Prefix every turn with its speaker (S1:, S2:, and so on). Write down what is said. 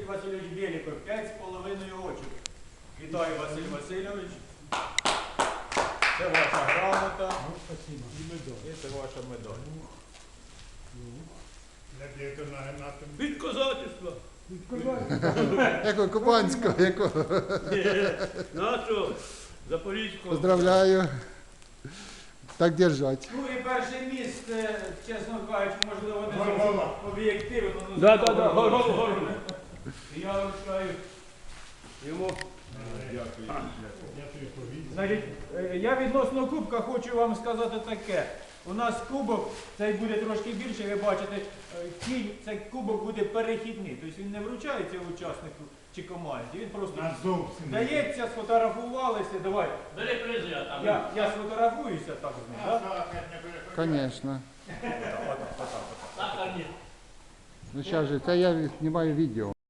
S1: Василь Васильович Беліков, 5,5 очок. Вітаю, Василь Васильович. Це ваша грамота. І це ваша медаль.
S2: Від козацтва.
S3: Якого кубанського, якого?
S2: Нашого Запорізького.
S3: Поздравляю. Так держать.
S1: Ну і перше місце, чесно кажучи, можливо, не зовсім об'єктивно.
S2: Да. Гору.
S1: Я вручаю йому. Значить, я відносно кубка хочу вам сказати таке. У нас кубок, цей буде трошки більше, ви бачите, цей кубок буде перехідний. Тобто він не вручається учаснику чи команді, він просто дається, сфотографувалися, давай.
S2: Бери призи, а там.
S1: Я сфотографуюся так з ним, так?
S3: Конечно.
S2: Так, а ні.
S3: Ну сейчас же, это я снимаю видео.